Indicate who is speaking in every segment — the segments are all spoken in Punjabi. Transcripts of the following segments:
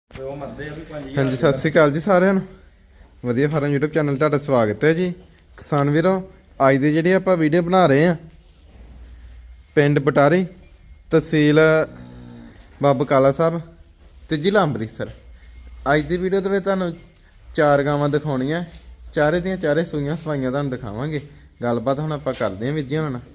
Speaker 1: ਹਾਂਜੀ ਸਤਿ ਸ਼੍ਰੀ ਅਕਾਲ ਜੀ ਸਾਰਿਆਂ ਨੂੰ। ਵਧੀਆ ਫਾਰਮ YouTube ਚੈਨਲ ਤੁਹਾਡਾ ਸਵਾਗਤ ਹੈ ਜੀ। ਕਿਸਾਨ ਵੀਰੋ, ਅੱਜ ਦੀ ਜਿਹੜੀ ਆਪਾਂ ਵੀਡੀਓ ਬਣਾ ਰਹੇ ਆ ਪਿੰਡ ਬਟਾਰੀ, ਤਹਿਸੀਲ ਬਾਬਾ ਬਕਾਲਾ ਸਾਹਿਬ ਤੇ ਜ਼ਿਲ੍ਹਾ ਅੰਮ੍ਰਿਤਸਰ। ਅੱਜ ਦੀ ਵੀਡੀਓ ਦੇ ਵਿੱਚ ਤੁਹਾਨੂੰ ਚਾਰ ਗਾਵਾਂ ਦਿਖਾਉਣੀਆਂ, ਚਾਰੇ ਦੀਆਂ ਚਾਰੇ ਸੂਈਆਂ ਸਵਾਈਆਂ ਤੁਹਾਨੂੰ ਦਿਖਾਵਾਂਗੇ। ਗੱਲਬਾਤ ਹੁਣ ਆਪਾਂ ਕਰਦੇ ਹਾਂ ਵੀਰ ਜੀ। ਹੁਣ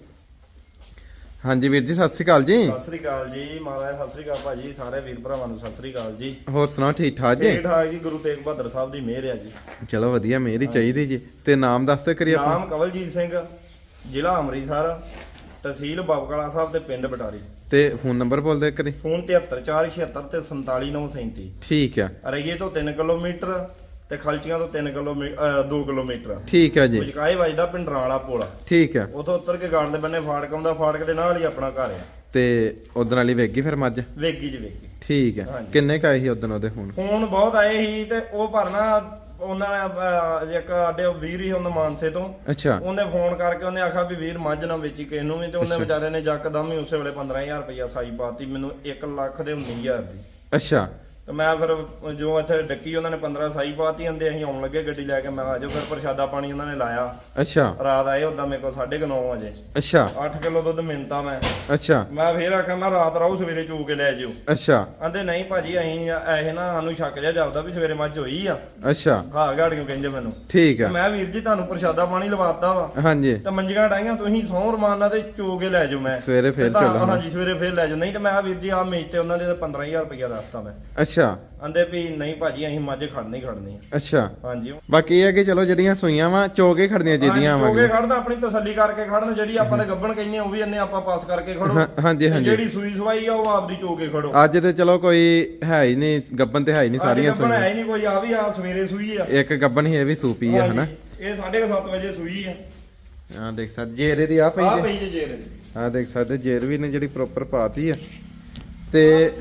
Speaker 1: ਹਾਂਜੀ ਵੀਰ ਜੀ ਸਤਿ ਸ਼੍ਰੀ ਅਕਾਲ ਜੀ।
Speaker 2: ਸਤਿ ਸ੍ਰੀ ਅਕਾਲ ਜੀ ਮਹਾਰਾਜ, ਸਤਿ ਸ੍ਰੀ ਅਕਾਲ ਭਾਜੀ, ਸਾਰੇ ਵੀਰ ਭਰਾਵਾਂ ਨੂੰ ਸਤਿ ਸ੍ਰੀ ਅਕਾਲ ਜੀ।
Speaker 1: ਹੋਰ ਸੁਣਾਓ, ਠੀਕ ਠਾਕ ਜੀ?
Speaker 2: ਠੀਕ ਠਾਕ ਜੀ, ਗੁਰੂ ਤੇਗ ਬਹਾਦਰ ਸਾਹਿਬ ਦੀ ਮਿਹਰ ਹੈ ਜੀ।
Speaker 1: ਚਲੋ ਵਧੀਆ, ਮਿਹਰ ਹੀ ਚਾਹੀਦੀ ਜੀ। ਤੇ ਨਾਮ ਦੱਸ ਤੇ ਕਰੀਏ ਆਪਣਾ।
Speaker 2: ਨਾਮ ਕਵਲਜੀਤ ਸਿੰਘ, ਜ਼ਿਲ੍ਹਾ ਅੰਮ੍ਰਿਤਸਰ, ਤਹਿਸੀਲ ਬਾਬਾ ਬਕਾਲਾ ਸਾਹਿਬ ਤੇ ਪਿੰਡ ਬਟਾਰੀ।
Speaker 1: ਤੇ ਫੋਨ ਨੰਬਰ ਬੋਲ ਦੇ ਕਰੀ।
Speaker 2: ਫੋਨ 7346 ਤੇ 47937।
Speaker 1: ਠੀਕ ਆ।
Speaker 2: ਰਈਏ ਤੋਂ 3 ਕਿਲੋਮੀਟਰ ਤੇ ਖਲਚੀਆਂ ਤੋਂ 2 ਕਿਲੋਮੀਟਰ।
Speaker 1: ਠੀਕ ਆ ਜੀ।
Speaker 2: ਮੁਜਕਾਏ ਵੱਜਦਾ ਪਿੰਡਰਾਂ ਵਾਲਾ ਪੁਲ।
Speaker 1: ਠੀਕ ਆ।
Speaker 2: ਉਥੋਂ ਉੱਤਰ ਕੇ ਗਾੜ ਦੇ ਬੰਨੇ ਫਾਟਕ ਆਉਂਦਾ, ਫਾਟਕ ਦੇ ਨਾਲ ਹੀ ਆਪਣਾ ਘਰ ਆ।
Speaker 1: ਤੇ ਉਦੋਂ ਵਾਲੀ ਵੇਗੀ ਫਿਰ ਮੱਝ?
Speaker 2: ਵੇਗੀ ਜੀ ਵੇਗੀ।
Speaker 1: ਠੀਕ ਆ। ਕਿੰਨੇ ਕ ਆਏ ਸੀ ਉਦੋਂ ਉਹਦੇ ਫੋਨ?
Speaker 2: ਫੋਨ ਬਹੁਤ ਆਏ ਸੀ ਤੇ ਉਹ ਭਰਨਾ ਉਹਨਾਂ ਨੇ ਇੱਕ ਸਾਡੇ ਵੀਰ ਹੀ ਉਹਨਾਂ ਮਾਨਸੇ ਤੋਂ।
Speaker 1: ਅੱਛਾ।
Speaker 2: ਉਹਨੇ ਫੋਨ ਕਰਕੇ ਉਹਨੇ ਆਖਿਆ ਵੀ ਵੀਰ ਮੱਝ ਨਾ ਵੇਚੀ ਕਿਸੇ ਨੂੰ ਵੀ, ਤੇ ਉਹਨੇ ਵਿਚਾਰੇ ਨੇ ਜੱਕਦਮ ਹੀ ਉਸੇ ਵੇਲੇ 15000 ਰੁਪਇਆ ਸਾਈ ਪਾਤੀ ਮੈਨੂੰ, 1 ਲੱਖ ਦੇ 19000 ਦੀ।
Speaker 1: ਅੱਛਾ।
Speaker 2: ਤੇ ਮੈਂ ਫਿਰ ਜੋ ਇੱਥੇ ਡੱਕੀ ਉਹਨਾਂ ਨੇ 15 ਸਾਈ ਪਾਤੀ, ਆਂਦੇ ਅਸੀਂ ਆਉਣ ਲੱਗੇ ਗੱਡੀ ਲੈ ਕੇ। ਮੈਂ ਆ ਜਾਓ ਫਿਰ ਪ੍ਰਸ਼ਾਦਾ ਪਾਣੀ ਉਹਨਾਂ ਨੇ ਲਾਇਆ।
Speaker 1: ਅੱਛਾ।
Speaker 2: ਰਾਤ ਆਏ ਉਦਾਂ ਮੇਰੇ ਕੋਲ 9:30 ਵਜੇ।
Speaker 1: ਅੱਛਾ।
Speaker 2: 8 ਕਿਲੋ ਦੁੱਧ ਮਿੰਤਾ ਮੈਂ।
Speaker 1: ਅੱਛਾ।
Speaker 2: ਮੈਂ ਫੇਰ ਆਖਿਆ ਮੈਂ ਰਾਤ ਰਹੂ, ਸਵੇਰੇ ਚੂ ਕੇ ਲੈ ਜਿਓ।
Speaker 1: ਅੱਛਾ।
Speaker 2: ਆਂਦੇ ਨਹੀਂ ਭਾਜੀ ਅਸੀਂ ਇਹ ਨਾ ਸਾਨੂੰ ਸ਼ੱਕ ਜਿਹਾ ਜਾਪਦਾ ਵੀ ਸਵੇਰੇ ਮੱਝ ਹੋਈ ਆ।
Speaker 1: ਅੱਛਾ।
Speaker 2: ਹਾਂ ਗਾੜੀਆਂ ਕਹਿੰਦੇ ਮੈਨੂੰ।
Speaker 1: ਠੀਕ ਆ।
Speaker 2: ਮੈਂ ਵੀਰ ਜੀ ਤੁਹਾਨੂੰ ਪ੍ਰਸ਼ਾਦਾ ਪਾਣੀ ਲਵਾਤਾ ਵਾ।
Speaker 1: ਹਾਂਜੀ।
Speaker 2: ਤੇ ਮੰਜੀਆਂ ਡਾਈਆਂ ਤੁਸੀਂ ਸੌਂ ਰਮਾਨਾ ਤੇ ਚੋ ਕੇ ਲੈ ਜਾਓ। ਮੈਂ
Speaker 1: ਸਵੇਰੇ ਫੇਰ ਚੱਲੋ।
Speaker 2: ਹਾਂਜੀ ਸਵੇਰੇ ਫੇਰ ਲੈ ਜਾਓ। ਨਹੀਂ ਤੇ ਮੈਂ ਵੀਰ ਜੀ ਆ ਮੇਜ ਤੇ ਉਹਨਾਂ ਦੇ 15000 ਰੁਪਇਆ ਦੱਸਤਾ ਮੈਂ।
Speaker 1: ਅੱਛਾ।
Speaker 2: ਆਂਦੇ ਵੀ ਨਹੀਂ ਭਾਜੀ ਅਸੀਂ ਮੱਝ ਖੜਨੀ ਖੜਨੀ ਆ।
Speaker 1: ਅੱਛਾ।
Speaker 2: ਹਾਂਜੀ।
Speaker 1: ਬਾਕੀ ਇਹ ਹੈ ਕਿ ਚਲੋ ਜਿਹੜੀਆਂ ਸੂਈਆਂ ਵਾ ਚੋਕੇ ਖੜਨੀਆਂ ਚਾਹੀਦੀਆਂ ਵਾ।
Speaker 2: ਚੋਕੇ ਖੜਨਾ, ਆਪਣੀ ਤਸੱਲੀ ਕਰਕੇ ਖੜਨ। ਜਿਹੜੀ ਆਪਾਂ ਤੇ ਗੱਬਣ ਕਹਿੰਦੇ ਉਹ ਵੀ ਇਹਨੇ ਆਪਾਂ ਪਾਸ ਕਰਕੇ ਖੜੋ।
Speaker 1: ਹਾਂਜੀ ਹਾਂਜੀ।
Speaker 2: ਜਿਹੜੀ ਸੂਈ ਸਵਾਈ ਆ ਉਹ ਆਪਦੀ ਚੋਕੇ ਖੜੋ।
Speaker 1: ਅੱਜ ਤੇ ਚਲੋ ਕੋਈ ਹੈ ਹੀ ਨਹੀਂ, ਗੱਬਨ ਤੇ ਹੈ ਹੀ ਨਹੀਂ ਸਾਰੀਆਂ
Speaker 2: ਸੂਈਆਂ। ਹੈ
Speaker 1: ਸੂਈਆਂ।
Speaker 2: ਹੀ ਨਹੀਂ ਕੋਈ। ਆ ਵੀ ਆ ਸਵੇਰੇ ਸੂਈ ਆ
Speaker 1: ਇੱਕ ਗੱਬਨ ਹੀ, ਇਹ ਵੀ ਸੂਪੀ ਆ ਹਨਾ।
Speaker 2: ਇਹ 7:30 ਵਜੇ ਸੂਈ ਆ।
Speaker 1: ਹਾਂ ਦੇਖ ਸਕਦੇ ਜੇਰੇ ਦੀ ਆ ਪਈ
Speaker 2: ਆ
Speaker 1: ਜੇ।
Speaker 2: ਪਈ ਜੇ ਜੇਰ ਦੀ।
Speaker 1: ਹਾਂ ਦੇਖ ਸਕਦੇ ਜੇਰ ਵੀ ਨੇ ਜਿਹੜੀ ਪ੍ਰੋਪਰ ਪਾਤੀ ਆ। ਤੇ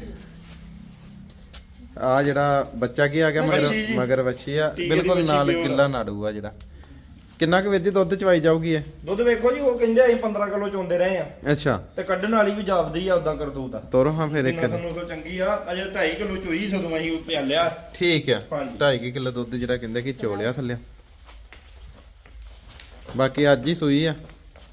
Speaker 1: ਆ ਜਿਹੜਾ ਬੱਚਾ ਕੀ ਆ ਗਿਆ ਮਗਰ ਵੱਛੀ ਆ, ਬਿਲਕੁਲ ਨਾਲ ਕਿੱਲਾ ਨਾੜੂ ਆ। ਜਿਹੜਾ ਕਿੰਨਾ ਕੁ ਵਿੱਚ ਦੁੱਧ ਚਵਾਈ ਜਾਊਗੀ ਇਹ?
Speaker 2: ਦੁੱਧ ਵੇਖੋ ਜੀ, ਉਹ ਕਹਿੰਦੇ ਅਸੀਂ 15 ਕਿਲੋ ਚੋਂਦੇ ਰਹੇ ਆ।
Speaker 1: ਅੱਛਾ।
Speaker 2: ਤੇ ਕੱਢਣ ਵਾਲੀ ਵੀ ਜਾਪਦੀ ਆ ਉਦਾਂ ਕਰਤੂਤ ਆ।
Speaker 1: ਤੋਰੋ ਹਾਂ ਫਿਰ ਇੱਕ।
Speaker 2: ਨਸਲ ਚੰਗੀ ਆ। ਅਜੇ 2.5 ਕਿਲੋ ਚੋਈ ਸਦੋਂ ਅਸੀਂ ਪਿਆਲਿਆ।
Speaker 1: ਠੀਕ ਆ। 2.5 ਕਿਲੋ ਦੁੱਧ ਜਿਹੜਾ ਕਹਿੰਦੇ ਕਿ ਚੋਲਿਆ ਥੱਲੇ। ਬਾਕੀ ਅੱਜ ਹੀ ਸੂਈ ਆ।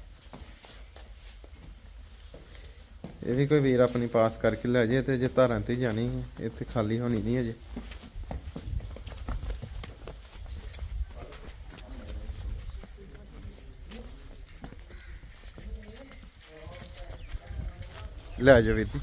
Speaker 1: ਇਹ ਵੀ ਕੋਈ ਵੀਰ ਆਪਣੀ ਪਾਸ ਕਰਕੇ ਲੈ ਜੇ ਤੇ ਜੇ ਧਾਰਾਂ ਤੇ ਜਾਣੀ ਹੈ, ਇੱਥੇ ਖਾਲੀ ਹੋਣੀ ਨਹੀਂ ਅਜੇ। ਲੈ ਜਾ ਵੀਰ ਜੀ।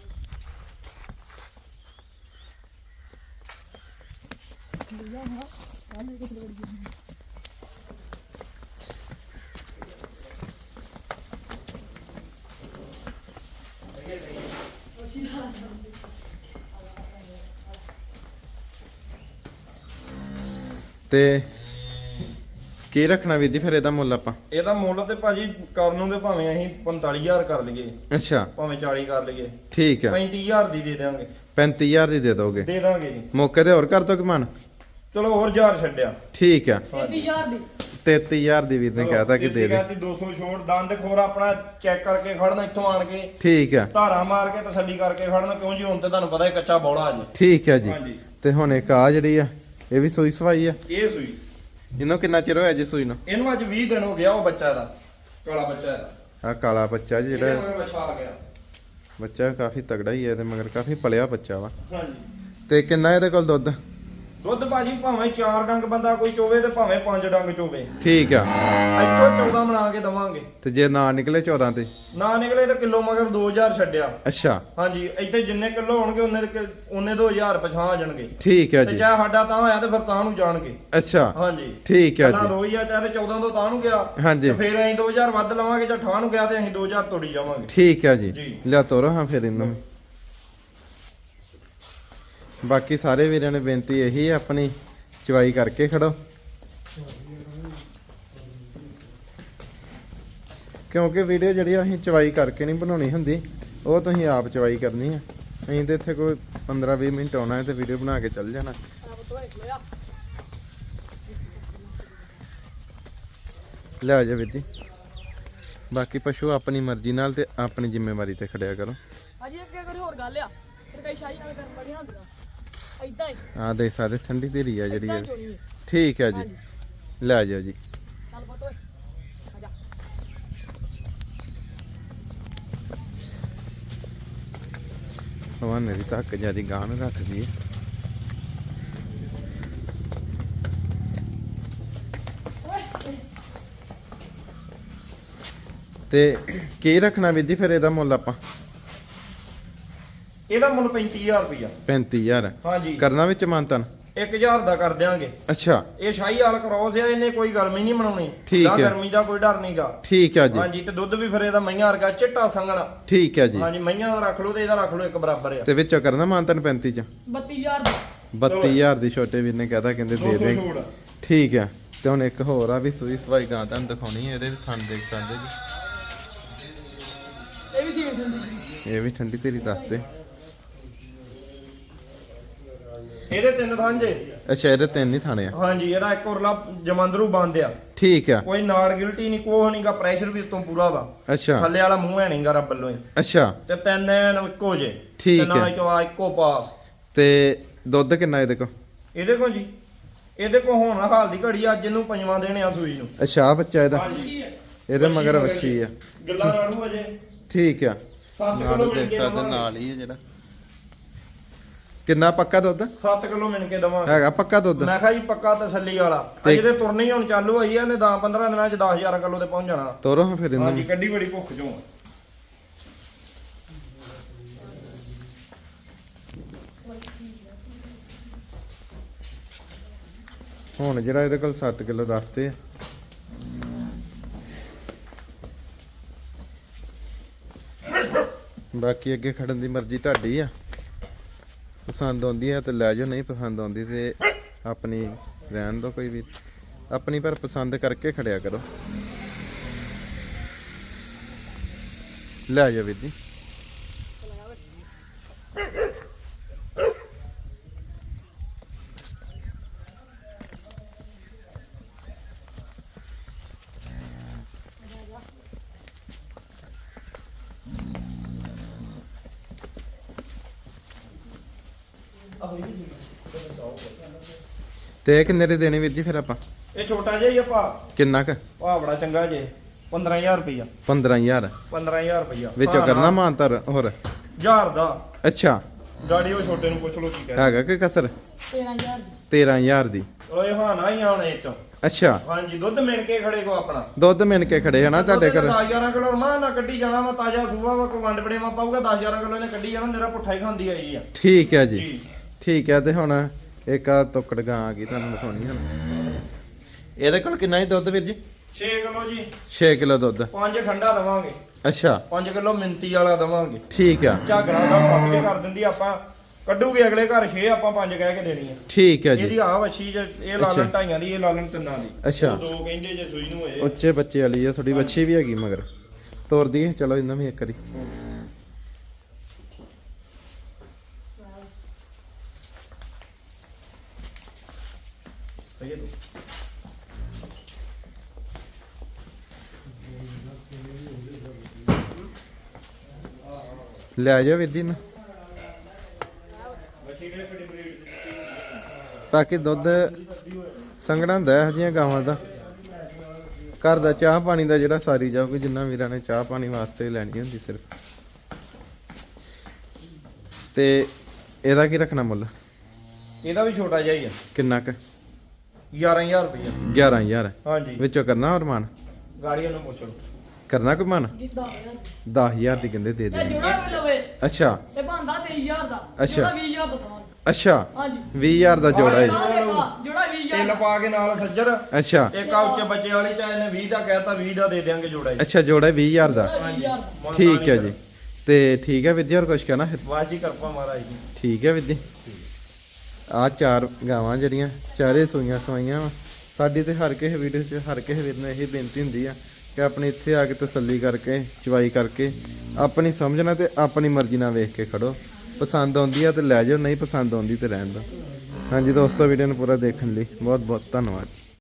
Speaker 1: ਤੇ ਕੀ ਰੱਖਣਾ ਵੀਰ ਜੀ ਫਿਰ ਇਹਦਾ ਮੁੱਲ ਆਪਾਂ?
Speaker 2: ਇਹਦਾ ਮੁੱਲ ਤੇ ਭਾਜੀ ਕਰਨ ਨੂੰ ਤੇ ਭਾਵੇਂ ਅਸੀਂ 45000 ਕਰ ਲਈਏ,
Speaker 1: ਅੱਛਾ,
Speaker 2: ਭਾਵੇਂ 40 ਕਰ ਲਈਏ,
Speaker 1: ਠੀਕ ਆ।
Speaker 2: 35000 ਦੀ ਦੇ ਦੇਵਾਂਗੇ।
Speaker 1: 35000 ਦੀ ਦੇ ਦੋਗੇ?
Speaker 2: ਦੇ ਦਾਂਗੇ ਜੀ।
Speaker 1: ਮੌਕੇ ਤੇ ਹੋਰ ਕਰ ਦੋ ਕਿ ਮਨ?
Speaker 2: ਚਲੋ ਹੋਰ 1000 ਛੱਡਿਆ।
Speaker 1: ਠੀਕ ਆ।
Speaker 3: 33000 ਦੀ।
Speaker 1: 33000 ਦੀ ਵੀਰ ਨੇ ਕਹਿਤਾ ਕਿ ਦੇ ਦੇ।
Speaker 2: 200 ਛੋੜ। ਦੰਦ ਖੋਰ ਆਪਣਾ ਚੈੱਕ ਕਰਕੇ ਖੜਨਾ ਇੱਥੋਂ ਆਣ ਕੇ।
Speaker 1: ਠੀਕ ਆ।
Speaker 2: ਧਾਰਾ ਮਾਰ ਕੇ ਤਸੱਲੀ ਕਰਕੇ ਖੜਨਾ, ਕਿਉਂ ਜੀ ਹੁਣ ਤੇ ਤੁਹਾਨੂੰ ਪਤਾ ਹੈ ਕੱਚਾ ਬੌਲਾ ਜੀ।
Speaker 1: ਠੀਕ ਆ ਜੀ।
Speaker 2: ਹਾਂਜੀ।
Speaker 1: ਤੇ ਹੁਣ ਇੱਕ ਆ ਜਿਹੜੀ ਆ ਇਹ ਵੀ ਸੂਈ ਸਵਾਈ ਆ।
Speaker 2: ਇਹ ਸੂਈ
Speaker 1: ਇਹਨੂੰ ਕਿੰਨਾ ਚਿਰ ਹੋਇਆ ਜੀ ਸੂਈ ਨੂੰ?
Speaker 2: ਇਹਨੂੰ ਅੱਜ 20 ਦਿਨ ਹੋ ਗਿਆ। ਉਹ ਬੱਚਾ ਦਾ ਕਾਲਾ ਬੱਚਾ ਇਹਦਾ।
Speaker 1: ਆ ਕਾਲਾ ਬੱਚਾ ਜਿਹੜਾ
Speaker 2: ਇਹਦੇ ਮਗਰ ਬੱਚਾ ਆ ਗਿਆ।
Speaker 1: ਬੱਚਾ ਕਾਫੀ ਤਗੜਾ ਹੀ ਹੈ ਤੇ ਮਗਰ ਕਾਫੀ ਪਲਿਆ ਬੱਚਾ ਵਾ।
Speaker 2: ਹਾਂਜੀ।
Speaker 1: ਤੇ ਕਿੰਨਾ ਇਹਦੇ ਕੋਲ ਦੁੱਧ?
Speaker 2: ਦੁੱਧ ਭਾਜੀ ਭਾਵੇਂ 4 ਡੰਗ ਬੰਦਾ ਕੋਈ ਚੋਵੇ ਤੇ ਭਾਵੇਂ 5 ਡੰਗ ਚੋਵੇ।
Speaker 1: ਠੀਕ ਆ।
Speaker 2: ਇੱਥੋਂ 14 ਬਣਾ ਕੇ ਦਵਾਂਗੇ।
Speaker 1: ਤੇ ਜੇ ਨਾ ਨਿਕਲੇ 14 ਤੇ?
Speaker 2: ਨਾ ਨਿਕਲੇ ਤਾਂ ਕਿਲੋ ਮਗਰ 2000 ਛੱਡਿਆ।
Speaker 1: ਅੱਛਾ।
Speaker 2: ਹਾਂਜੀ। ਇੱਥੇ ਜਿੰਨੇ ਕਿਲੋ ਹੋਣਗੇ ਉਹਨੇ 2000 ਪਛਾਂ ਆ ਜਾਣਗੇ।
Speaker 1: ਠੀਕ ਆ
Speaker 2: ਤੇ
Speaker 1: ਜੀ।
Speaker 2: ਚਾਹੇ ਸਾਡਾ ਤਾਂ ਹੋਇਆ ਤੇ ਫਿਰ ਤਾਂ ਨੂੰ ਜਾਣਗੇ।
Speaker 1: ਅੱਛਾ।
Speaker 2: ਹਾਂਜੀ।
Speaker 1: ਠੀਕ ਆ
Speaker 2: ਨਾ
Speaker 1: ਜੀ।
Speaker 2: 2000 ਚਾਹੇ 14 ਤੋਂ ਤਾਂ ਨੂੰ ਗਿਆ।
Speaker 1: ਹਾਂਜੀ।
Speaker 2: ਤੇ ਫਿਰ ਅਸੀਂ 2000 ਵੱਧ ਲਵਾਂਗੇ। ਜਾਂ ਠਾਹ ਨੂੰ ਗਿਆ ਤੇ ਅਸੀਂ 2000 ਤੋੜੀ ਜਾਵਾਂਗੇ।
Speaker 1: ਠੀਕ ਆ ਜੀ।
Speaker 2: ਜੀ।
Speaker 1: ਲਿਆ ਤੋਰੋ ਹਾਂ ਫਿਰ ਇਹਨੂੰ। ਬਾਕੀ ਸਾਰੇ ਵੀਰਾਂ ਨੇ ਬੇਨਤੀ ਇਹੀ ਹੈ, ਆਪਣੀ ਚਵਾਈ ਕਰਕੇ ਖੜੋ, ਕਿਉਂਕਿ ਵੀਡੀਓ ਜਿਹੜੀ ਅਸੀਂ ਚਵਾਈ ਕਰਕੇ ਨਹੀਂ ਬਣਾਉਣੀ ਹੁੰਦੀ, ਉਹ ਤੁਸੀਂ ਆਪ ਚਵਾਈ ਕਰਨੀ ਹੈ। ਅਸੀਂ ਤੇ ਇੱਥੇ ਕੋਈ 15-20 ਮਿੰਟ ਆਉਣਾ ਹੈ ਤੇ ਵੀਡੀਓ ਬਣਾ ਕੇ ਚੱਲ ਜਾਣਾ। ਲੈ ਜਾ ਵੀਰ ਜੀ। ਬਾਕੀ ਪਸ਼ੂ ਆਪਣੀ ਮਰਜ਼ੀ ਨਾਲ ਤੇ ਆਪਣੀ ਜ਼ਿੰਮੇਵਾਰੀ ਤੇ ਖੜਿਆ ਕਰੋ।
Speaker 3: ਅਜੀ ਇੱਕ ਕੋਈ ਹੋਰ ਗੱਲ ਆ, ਫਿਰ ਕਈ ਸ਼ਾਹੀ ਨਾਲ ਕਰਨ ਬੜੀਆਂ ਹੁੰਦੀਆਂ। ਇਦਾਂ ਹੀ
Speaker 1: ਆ ਦੇਖ ਸਕਦੇ ਠੰਡੀ ਧੀਰੀ ਆ ਜਿਹੜੀ
Speaker 3: ਇਦਾਂ
Speaker 1: ਇਹ।
Speaker 3: ਚੋਣੀ ਹੈ।
Speaker 1: ਠੀਕ ਹੈ ਜੀ ਲੈ ਜਾਓ ਜੀ
Speaker 3: ਚੱਲ ਪੁੱਤ ਓਏ ਆ ਜਾ
Speaker 1: ਹਵਾਨੇ ਦੀ ਧੱਕ ਜਿਆਦੀ ਗਾਂ ਨੂੰ ਰੱਖਦੀ ਹੈ ਤੇ ਕੀ ਰੱਖਣਾ ਵੀਰ ਜੀ ਫਿਰ ਇਹਦਾ ਮੁੱਲ ਆਪਾਂ
Speaker 2: ਇਹਦਾ ਮੁੱਲ 35000 ਰੁਪਇਆ
Speaker 1: 35000
Speaker 2: ਹਾਂਜੀ
Speaker 1: ਕਰਨਾ ਵਿੱਚ ਮਾਨਤਨ
Speaker 2: 1000 ਦਾ ਕਰ ਦਿਆਂਗੇ
Speaker 1: ਅੱਛਾ
Speaker 2: ਇਹ ਸ਼ਾਹੀ ਵਾਲ ਕ੍ਰੋਸ ਆ ਇਹਨੇ ਕੋਈ ਗਰਮੀ ਨਹੀਂ ਬਣਾਉਣੀ
Speaker 1: ਠੀਕ
Speaker 2: ਨਾ
Speaker 1: ਹੈ।
Speaker 2: ਗਰਮੀ ਦਾ ਕੋਈ ਡਰ ਨਹੀਂਗਾ
Speaker 1: ਠੀਕ ਹੈ ਜੀ
Speaker 2: ਹਾਂਜੀ ਤੇ ਦੁੱਧ ਵੀ ਫਿਰ ਇਹਦਾ ਮਈਆਂ ਵਰਗਾ ਚਿੱਟਾ ਸੰਘਣਾ
Speaker 1: ਠੀਕ ਹੈ ਜੀ
Speaker 2: ਹਾਂਜੀ ਮਈਆਂ ਦਾ ਰੱਖ ਲਓ ਤੇ ਇਹਦਾ ਰੱਖ ਲਓ ਇੱਕ ਬਰਾਬਰ ਆ
Speaker 1: ਤੇ ਵਿੱਚੋਂ ਕਰਨਾ ਮਾਨਤਨ 35 ਚ
Speaker 3: 32000 ਦਾ
Speaker 1: 32000 ਦੀ ਛੋਟੇ ਵੀਰ ਨੇ ਕਹਤਾ ਕਹਿੰਦੇ ਦੇ
Speaker 2: 200
Speaker 1: ਦੇ
Speaker 2: ਛੂਟ।
Speaker 1: ਠੀਕ ਹੈ ਤੇ ਹੁਣ ਇੱਕ ਹੋਰ ਆ ਵੀ ਸੂਈ ਸਵਾਈ ਗਾਂ ਤੁਹਾਨੂੰ ਦਿਖਾਉਣੀ ਹੈ ਇਹਦੇ ਵੀ ਖਾਣ ਦੇਖ ਸਕਦੇ ਜੀ
Speaker 3: ਇਹ ਵੀ ਸੀਲ ਹੁੰਦੀ
Speaker 1: ਇਹ ਵੀ ਠੰਡੀ ਤੇਰੀ ਦੱਸਦੇ
Speaker 2: ਇਹਦੇ ਤਿੰਨ ਥਾਂਜੇ
Speaker 1: ਅੱਛਾ ਇਹਦੇ ਤਿੰਨ ਹੀ ਥਾਣੇ ਆ
Speaker 2: ਹਾਂਜੀ ਇਹਦਾ ਇੱਕ ਉਰਲਾ ਜਮੰਦਰੂ ਬੰਦ ਆ
Speaker 1: ਠੀਕ ਆ
Speaker 2: ਕੋਈ ਨਾੜ ਗਿਲਟੀ ਨਹੀਂ ਕੋਹ ਨਹੀਂਗਾ ਪ੍ਰੈਸ਼ਰ ਵੀ ਉਤੋਂ ਪੂਰਾ ਵਾ
Speaker 1: ਅੱਛਾ
Speaker 2: ਥੱਲੇ ਵਾਲਾ ਮੂੰਹ ਹੈ ਨਹੀਂਗਾ ਰੱਬ ਵੱਲੋਂ ਹੀ।
Speaker 1: ਅੱਛਾ
Speaker 2: ਤੇ ਤਿੰਨ ਐਨ ਇੱਕੋ ਜੇ
Speaker 1: ਠੀਕ
Speaker 2: ਤੇ ਨਾਲ
Speaker 1: ਹੈ।
Speaker 2: ਚਵਾ ਇੱਕੋ ਪਾਸ
Speaker 1: ਤੇ ਦੁੱਧ ਕਿੰਨਾ ਇਹਦੇ ਕੋ
Speaker 2: ਇਹਦੇ ਕੋਲ ਜੀ ਇਹਦੇ ਕੋਲ ਹੋਣਾ ਹਾਲ ਦੀ ਘੜੀ ਅੱਜ ਇਹਨੂੰ ਪੰਜਵਾਂ ਦੇਣੇ ਆ ਸੂਈ ਨੂੰ
Speaker 1: ਅੱਛਾ ਆਹ ਬੱਚਾ ਇਹਦਾ
Speaker 2: ਹਾਂਜੀ
Speaker 1: ਇਹਦੇ ਮਗਰ ਵੱਛੀ ਆ
Speaker 2: ਗੱਲਾਂ ਰਾਣੂ ਅਜੇ
Speaker 1: ਠੀਕ ਆ
Speaker 2: 7
Speaker 1: ਨਾਲ
Speaker 2: ਕਿਲੋ ਮਿਣ
Speaker 1: ਦੇਖ
Speaker 2: ਕੇ
Speaker 1: ਸਕਦੇ
Speaker 2: ਦਵਾਂਗੇ
Speaker 1: ਨਾਲ ਹੀ ਹੈ ਜਿਹੜਾ ਕਿੰਨਾ ਪੱਕਾ ਦੁੱਧ
Speaker 2: 7 ਕਿਲੋ ਮਿਣ ਕੇ ਦਵਾਂਗੇ
Speaker 1: ਹੈਗਾ ਪੱਕਾ ਦੁੱਧ
Speaker 2: ਮੈਂ ਕਿਹਾ ਜੀ ਪੱਕਾ ਤਸੱਲੀ ਵਾਲਾ
Speaker 1: ਤੇ-
Speaker 2: ਅਜੇ ਤੇ ਤੁਰਨੀ ਹੁਣ ਚਾਲੂ ਹੋਈ ਆ ਇਹਨੇ 10-15 ਦਿਨਾਂ ਚ 10000 ਕਿਲੋ ਤੇ ਪਹੁੰਚ ਜਾਣਾ
Speaker 1: ਤੋਰੋ ਹਾਂ ਫਿਰ
Speaker 2: ਹਾਂਜੀ
Speaker 1: ਇਹਨਾਂ
Speaker 2: ਕੱਡੀ ਬੜੀ ਭੁੱਖ ਚੋਂ
Speaker 1: ਹੁਣ ਜਿਹੜਾ ਇਹਦੇ ਕੋਲ 7 ਕਿਲੋ ਦੱਸਦੇ ਆ ਬਾਕੀ ਅੱਗੇ ਖੜਨ ਦੀ ਮਰਜ਼ੀ ਤੁਹਾਡੀ ਆ ਪਸੰਦ ਆਉਂਦੀ ਆ ਤੇ ਲੈ ਜਾਓ ਨਹੀਂ ਪਸੰਦ ਆਉਂਦੀ ਤੇ ਆਪਣੀ ਰਹਿਣ ਦੋ ਕੋਈ ਵੀ ਆਪਣੀ ਪਰ ਪਸੰਦ ਕਰਕੇ ਖੜਿਆ ਕਰੋ ਲੈ ਜਾਓ ਵੀਰ ਜੀ ਤੇ ਇਹ ਕਿੰਨੇ ਦੇ ਦੇਣੇ ਵੀਰ ਜੀ ਫਿਰ ਆਪਾਂ
Speaker 2: ਇਹ ਛੋਟਾ ਜਿਹਾ ਹੀ ਆ ਭਾ
Speaker 1: ਕਿੰਨਾ ਕ
Speaker 2: ਭਾ ਬੜਾ ਚੰਗਾ ਜੇ 15000 ਰੁਪਇਆ
Speaker 1: 15000
Speaker 2: 15000 ਰੁਪਇਆ
Speaker 1: ਵਿੱਚੋਂ ਕਰਨਾ ਮਾਨਤਰ ਹੋਰ
Speaker 2: 1000 ਦਾ
Speaker 1: ਅੱਛਾ
Speaker 2: ਗਾੜੀ ਉਹ ਛੋਟੇ ਨੂੰ ਪੁੱਛ ਲਓ ਕੀ ਕਹਿੰਦਾ
Speaker 1: ਹੈਗਾ ਕਿ ਕਸਰ
Speaker 3: 13000 ਦੀ
Speaker 1: 13000 ਦੀ
Speaker 2: ਓਏ ਹਾਂ ਨਾ ਹੀ ਆਉਣੇ ਇਹ ਚੋਂ
Speaker 1: ਅੱਛਾ
Speaker 2: ਹਾਂਜੀ ਦੁੱਧ ਮਿਣ ਕੇ ਖੜੇ ਕੋ ਆਪਣਾ
Speaker 1: ਦੁੱਧ ਮਿਣ ਕੇ ਖੜੇ ਹਨਾ ਤੁਹਾਡੇ ਘਰ
Speaker 2: 10000 ਕਿਲੋ ਮਾਂ ਨਾ ਕੱਢੀ ਜਾਣਾ ਵਾ ਤਾਜ਼ਾ ਸੂਆ ਵਾ ਕੋ ਵੰਡ ਬੜੇਵਾ ਪਾਊਗਾ 10000 ਕਿਲੋ ਇਹਨੇ ਕੱਢੀ ਜਾਣਾ ਮੇਰਾ ਪੁੱਠਾ ਹੀ ਖਾਂਦੀ ਆਈ ਆ
Speaker 1: ਠੀਕ ਹੈ ਜੀ
Speaker 2: ਜੀ
Speaker 1: ਠੀਕ ਹੈ ਤੇ ਹੁਣ ਇੱਕ ਆ ਤੁੱਕੜ ਗਾਂ ਆ ਗਈ ਤੁਹਾਨੂੰ ਦਿਖਾਉਣੀ ਹੁਣ ਇਹਦੇ ਕੋਲ ਕਿੰਨਾ ਹੀ ਦੁੱਧ ਵੀਰ ਜੀ
Speaker 2: 6 ਕਿਲੋ ਜੀ
Speaker 1: 6 ਕਿਲੋ ਦੁੱਧ
Speaker 2: 5 ਖੰਡਾ ਦਵਾਂਗੇ
Speaker 1: ਅੱਛਾ
Speaker 2: 5 ਕਿਲੋ ਮਿੰਤੀ ਵਾਲਾ ਦਵਾਂਗੇ
Speaker 1: ਠੀਕ ਆ
Speaker 2: ਝਾਗਰਾ ਦਾ ਸੱਤ ਕੇ ਕਰ ਦਿੰਦੀ ਆਪਾਂ ਕੱਢੂਗੇ ਅਗਲੇ ਘਰ 6 ਆਪਾਂ 5 ਕਹਿ ਕੇ ਦੇਣੀ ਆ
Speaker 1: ਠੀਕ ਹੈ ਜੀ
Speaker 2: ਇਹਦੀ ਆ ਵੱਛੀ ਜੇ ਇਹ ਲਾਲਣ
Speaker 1: ਅੱਛਾ।
Speaker 2: ਢਾਈਆਂ ਦੀ ਇਹ ਲਾਲਣ ਤਿੰਨਾਂ ਦੀ
Speaker 1: ਅੱਛਾ।
Speaker 2: ਉਹ ਦੋ ਕਹਿੰਦੇ ਜੇ ਸੂਈ ਨੂੰ ਹੋਏ
Speaker 1: ਉੱਚੇ ਬੱਚੇ ਵਾਲੀ ਆ ਥੋੜੀ ਵੱਛੀ ਵੀ ਹੈਗੀ ਮਗਰ ਤੋਰ ਦਈਏ ਚਲੋ ਇਹਨਾਂ ਵੀ ਇੱਕ ਵਾਰੀ
Speaker 2: ਸਹੀ ਹੈ ਤੂੰ।
Speaker 1: ਲੈ ਜਾਓ ਵੀਰ ਜੀ ਨੂੰ
Speaker 2: ਵੱਛੀ ਕਿਹੜੇ ਕਿਹੜੀ ਬਰੀਡ ਦੀ?
Speaker 1: ਬਾਕੀ ਦੁੱਧ ਸੰਘਣਾ ਹੁੰਦਾ ਇਹੋ ਜਿਹੀਆਂ ਗਾਵਾਂ ਦਾ ਘਰ ਦਾ ਚਾਹ ਪਾਣੀ ਦਾ ਜਿਹੜਾ ਸਾਰੀ ਜਾਊਗੀ ਜਿੰਨਾ ਵੀਰਾਂ ਨੇ ਚਾਹ ਪਾਣੀ ਵਾਸਤੇ ਲੈਣੀ ਹੁੰਦੀ ਸਿਰਫ ਤੇ ਇਹਦਾ ਕੀ ਰੱਖਣਾ ਮੁੱਲ
Speaker 2: ਇਹਦਾ ਵੀ ਛੋਟਾ ਜਿਹਾ ਹੀ ਆ
Speaker 1: ਕਿੰਨਾ ਕ
Speaker 2: 11000 ਰੁਪਇਆ
Speaker 1: 11000
Speaker 2: ਹਾਂਜੀ
Speaker 1: ਵਿੱਚੋਂ ਕਰਨਾ ਹੋਰ ਮਾਨ
Speaker 2: ਗਾੜੀਆਂ ਨੂੰ ਪੁੱਛ ਲਓ
Speaker 1: ਕਰਨਾ ਕੋਈ ਮਾਨ
Speaker 3: ਜਿੱਦਾਂ
Speaker 1: 10000 ਦੀ ਕਹਿੰਦੇ ਦੇ
Speaker 3: ਇਹ
Speaker 1: ਦੇ
Speaker 3: ਜੋੜਾ ਵੀ ਲਵੇ
Speaker 1: ਅੱਛਾ
Speaker 3: ਇਹ ਬੰਦਾ 23000 ਦਾ
Speaker 1: ਅੱਛਾ।
Speaker 3: ਜੋੜਾ 20000 ਦਾ ਦਵਾਂਗੇ
Speaker 1: ਅੱਛਾ
Speaker 3: ਹਾਂਜੀ
Speaker 1: 20000 ਦਾ ਜੋੜਾ ਹੈ
Speaker 3: ਜੋੜਾ 20000
Speaker 2: ਤਿੰਨ ਪਾ ਕੇ ਨਾਲ ਸੱਜਰ
Speaker 1: ਅੱਛਾ
Speaker 2: ਇੱਕ ਆ ਉੱਚੇ ਬੱਚੇ ਵਾਲੀ ਚਾਹੇ ਨੇ 20 ਦਾ ਕਹਿਤਾ 20 ਦਾ ਦੇ ਦਿਆਂਗੇ ਜੋੜਾ ਜੀ
Speaker 1: ਅੱਛਾ ਜੋੜਾ 20000 ਦਾ
Speaker 3: 20000 ਦਾ
Speaker 1: ਠੀਕ ਹੈ ਜੀ ਤੇ ਠੀਕ ਹੈ ਵੀਰ ਜੀ ਹੋਰ ਕੁਝ ਕਹਿਣਾ ਫਿਰ
Speaker 2: ਵਾਜੀ ਕਰਪਾ ਮਹਾਰਾਜ ਜੀ
Speaker 1: ਠੀਕ ਹੈ ਵੀਰ ਜੀ ਆ ਚਾਰ ਗਾਵਾਂ ਜਿਹੜੀਆਂ ਚਾਰੇ ਸੂਈਆਂ ਸਵਾਈਆਂ ਵਾ ਸਾਡੀ ਤੇ ਹਰ ਕਿਸੇ ਵੀਡੀਓ 'ਚ ਹਰ ਕਿਸੇ ਵੀਰ ਨੂੰ ਇਹੀ ਬੇਨਤੀ ਹੁੰਦੀ ਆ ਕਿ ਆਪਣੀ ਇੱਥੇ ਆ ਕੇ ਤਸੱਲੀ ਕਰਕੇ ਚਵਾਈ ਕਰਕੇ ਆਪਣੀ ਸਮਝਣਾ ਤੇ ਆਪਣੀ ਮਰਜ਼ੀ ਨਾਲ ਵੇਖ ਕੇ ਖੜੋ ਪਸੰਦ ਆਉਂਦੀ ਆ ਤੇ ਲੈ ਜਾਓ ਨਹੀਂ ਪਸੰਦ ਆਉਂਦੀ ਤੇ ਰਹਿਣ ਦਿਓ ਹਾਂਜੀ ਦੋਸਤੋ ਵੀਡੀਓ ਨੂੰ ਪੂਰਾ ਦੇਖਣ ਲਈ ਬਹੁਤ ਬਹੁਤ ਧੰਨਵਾਦ